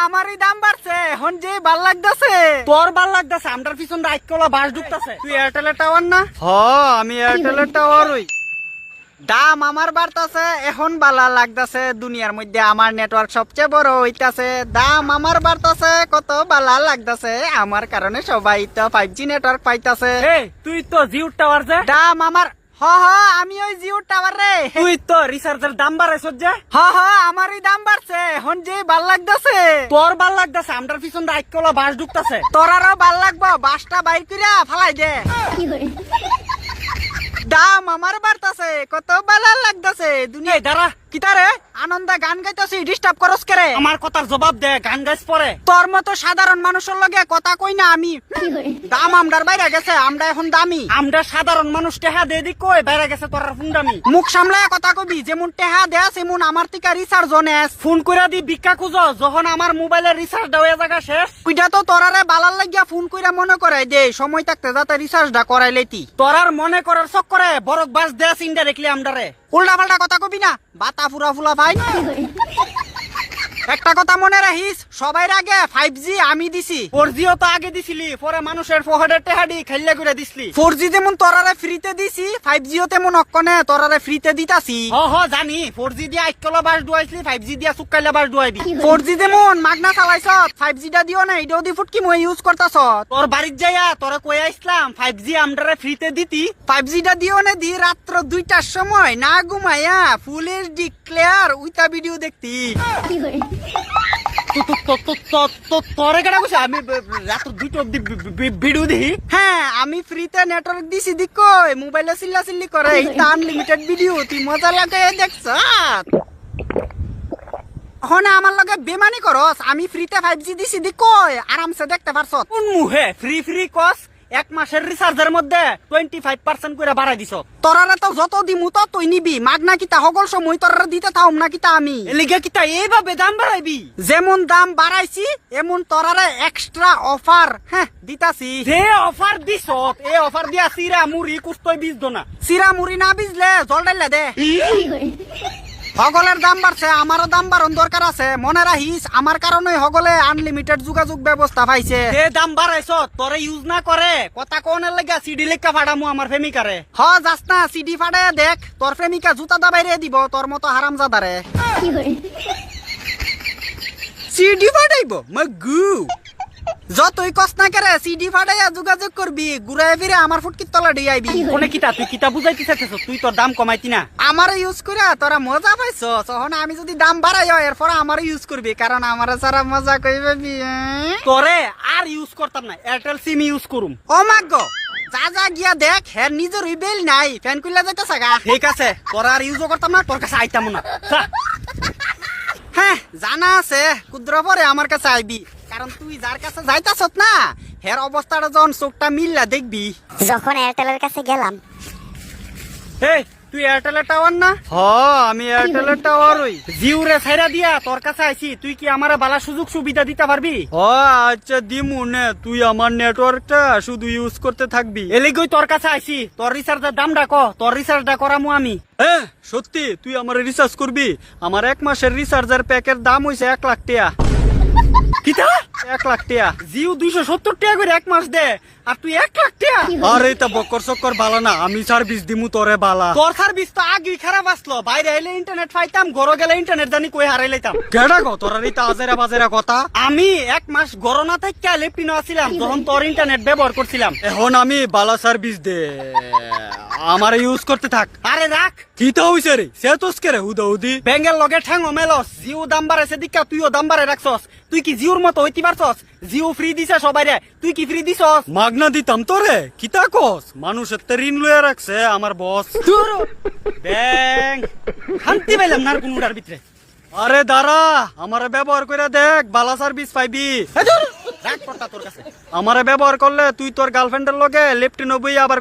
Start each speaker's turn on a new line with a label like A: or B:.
A: আমারই দাম বাড়ছে এখন যে ভাল লাগতেছে।
B: তোর ভাল লাগতেছে, আমরার পিছন রাইকলা বাস ঢুকতেছে।
A: তুই এয়ারটেলের টাওয়ার না? আমি এয়ারটেলের টাওয়ার ওই। দাম আমার বাড়তাছে এখন বালা লাগতাছে, দুনিয়ার মধ্যে আমার নেটওয়ার্ক সবচেয়ে বড় হইতাছে। দাম আমার বাড়তাছে কত বালা লাগতাছে, আমার কারণে সবাই তো 5G নেটওয়ার্ক পাইতাছে।
B: তুই তো জিও টাওয়ার যে
A: দাম আমার আমি ওই জিও টাওয়ার রে।
B: তুই তো রিচার্জের দাম বাড়াইছ যে
A: আমারই দাম বাড়ছে এখন যে ভাল লাগতাছে।
B: তোর ভাল লাগতেছে, আমরার পিছন রাইকলা বাস ঢুকতেছে।
A: তোর আরো ভাল লাগবো, বাসটা বাইর কইরা ফালাই দে। দাম আমার বাড়তাছে কত বালা লাগতাছে দুনিয়া।
B: দাঁড়া,
A: কিতারে আনন্দে গান গাইতাছি, ডিস্টার্ব করস করে?
B: আমার কথার জবাব দে, গান গাইছ পরে।
A: তোর মতো সাধারণ মানুষের লগে কথা কই না আমি। দাম আমরার বাইরে গেছে, আমরা এখন দামি।
B: আমরা সাধারণ মানুষ টেহা দে দি কই বাইরে গেছে তোর ফুন্ডামি।
A: মুখ সামলায় কথা কবি, যেমন টেহা দেয়া সেমন আমার থেকে রিচার্জ নেস।
B: ফোন কইরা দি ভিক্ষা খুঁজ, যখন আমার মোবাইলের রিচার্জ দেওয়া জায়গা শেষ।
A: ওইটা তো তোরারে বালার লাগিয়া ফোন কইরা মনে করাই দে, সময় থাকতে যাতে রিচার্জটা করাই লইতি।
B: তোরার মনে করার চক্করে বরক বাস দেশ ইনডাইরেক্টলি আমরারে।
A: উল্টা পাল্টা কথা কবি না, বাতা ফুরা ফুলা ভাই। একটা কথা মনে রাখিস, সবাই আগে 5G আমি দিছি।
B: 4G তো আগে দিছিলি, পরে মানুষের ফোহাডের টেহাডি খাইলা করে দিছলি।
A: 4G যেমন তোরারে ফ্রিতে দিছি, 5G ও তেমন অক্ষণে তোরারে ফ্রিতে দিতাছি।
B: জানি 4G দিয়া আইকলা বাস ডুয়াইছলি, 5G দিয়া সুকাইলা বাস ডুয়াইবি।
A: 4G যেমন মাগনা চালাইছ, 5G টা দিও না, এটাও দি ফুটকি মই ইউজ করতাছ।
B: তোর বাড়ির যাইয়া তোরা কই আইসলাম 5G আমরারে ফ্রিতে দিতি।
A: 5G টা দিও না দি রাত্র 2টার সময় না ঘুমাইয়া ফুল এইচডি ক্লিয়ার উইতা ভিডিও দেখতি।
B: তোরে কেডা কইছে আমি রাত 2টা অবধি ভিডিও দেখি?
A: হ্যাঁ, আমি ফ্রিতে নেটওয়ার্ক দিছি দি কই মোবাইলে চিল্লা চিল্লি করে, এটা আনলিমিটেড ভিডিও, তুই মজা লাগে দেখছ। এখন আমার লগে বেমানি করস, আমি ফ্রিতে 5G দিছি দি কই আরামসে দেখতে পারছ।
B: কোন মুহে ফ্রি ফ্রি কস? এক মাসের রিচার্জের মধ্যে 25% করে বাড়াই দিছ।
A: তোরারে তো যত দিমু তো তুই নিবি, মাগনা কিতা হগল সময় তোরারে দিতে থাও না কিতা আমি।
B: এলিগে কিতা এইভাবে দাম বাড়াইবি?
A: যেমন দাম বাড়াইছি এমন তোরারে এক্সট্রা অফার দিতাছি।
B: যে অফার দিছ এই অফার দিয়া সিরা মুড়ি কুস্তই বীজ দোনা।
A: সিরা মুড়ি না বিজলে জল ডাইলা দে। হগলের দাম বাড়ছে, আমারও দাম বাড়ন দরকার আছে। মনে রাখিস আমার কারণে হগলে আনলিমিটেড যোগাযোগ ব্যবস্থা পাইছে।
B: যে দাম বাড়াইছ তোরে ইউজ না করে কথা কোনের লাগা সিডি লেখা ফাড়ামু আমার প্রেমিকারে।
A: যাস না, সিডি ফাড়ে দেখ, তোর প্রেমিকা জুতা দাবাইরে দিব তোর মতো হারামজাদারে। সিডি ফাটাইব মগু, যতই কষ্ট না করে সিডি ফাটাইয়া যোগাযোগ করবি, ঘুরাই ফিরে আমার ফুটকির তলা দিয়ে আইবি।
B: কোনে কিতা তুই কিতা বুঝাইতে চাইতেছ? তুই তোর দাম কমাইতি না।
A: আমার ইউজ করে তোরা মজা পাইছ, তখন আমি যদি দাম বাড়াই এরপর আমার ইউজ করবি, কারণ আমার সারা মজা কইবি।
B: তোরে আর ইউজ করতাম না, এয়ারটেল সিম ইউজ করুম।
A: ও মাগ যা যা গিয়া দেখ, হ্যাঁ নিজের বেল নাই, ফ্যান খুললে যাইতে সাগা।
B: ঠিক আছে, তোরা আর ইউজও করতাম না, তোর কাছে আইতাম না।
A: হ্যাঁ জানা আছে, ক্ষুদ্র পরে আমার কাছে আইবি, কারণ তুই যার কাছে যাইতাছ না হের অবস্থাটা যখন চোখটা মিললা দেখবি।
C: যখন এয়ারটেলের কাছে গেলাম,
B: এই তুই এয়ারটেলের টাওয়ার না?
A: আমি এয়ারটেলের টাওয়ার ওই।
B: জিও রে ছাইরা দিয়া তোর কাছে আইছি, তুই কি আমারে বালা সুযোগ সুবিধা দিতে পারবি?
A: আচ্ছা দিমু নে, তুই আমার নেটওয়ার্কটা শুধু ইউজ করতে থাকবি।
B: এলিগই তোর কাছে আইছি, তোর রিচার্জের দামটা ক, তোর রিচার্জটা করামু আমি।
A: সত্যি তুই আমার রিচার্জ করবি? আমার 1 মাসের রিচার্জের প্যাকের দাম হইছে 1 লাখ টাকা।
B: কিতা
A: 1 লাখ টাকা?
B: জিও 270 টাকা করে 1 মাস দে, আর তুই 1 লাখ টাকা?
A: আরে তা বকর চক্কর বালা না, আমি সার্ভিস দিমু তোরে বালা।
B: তোর সার্ভিস তো আগেই খারাপ আসলো, বাইরে আইলে ইন্টারনেট পাইতাম, ঘরে গেলে ইন্টারনেট জানি কই হারাই লাইতাম।
A: কেডা গো তোর এই তাজেরা বাজেরা কথা?
B: আমি 1 মাস ঘরে না থাইকা লেপটিনো আছিলাম যখন তোর ইন্টারনেট ব্যবহার করছিলাম।
A: এখন আমি বালা সার্ভিস দে, আমার ইউজ করতে থাক।
B: আরে রাখ,
A: কিতা হইছে রে? সে তোস কে রে হুদাহুদি?
B: ব্যাঙ্গের লগে ঠ্যাঙ্গো মেলস, জিও দাম বাড়াইছে দিকা তুইও দাম বাড়াই রাখছস। তুই কি জিওর মতো হইতে পারছস? জিও ফ্রি দিছে সবাইরে, তুই কি ফ্রি দিছস?
A: মাগনা দিতাম তোরে, কিতা কস? মানুষের তে ঋণ লইয়া রাখছে আমার বস।
B: ব্যাং শান্তি পাইলাম না কোনটার ভিতরে।
A: আরে দাঁড়া, আমারে ব্যবহার করে দেখ, বালা সার্ভিস পাইবি।
B: রাখ পড়তা তোর কাছে।
A: আমারে ব্যবহার করলে তুই তোর গার্লফ্রেন্ডের লগে লেফটিনো বই আবার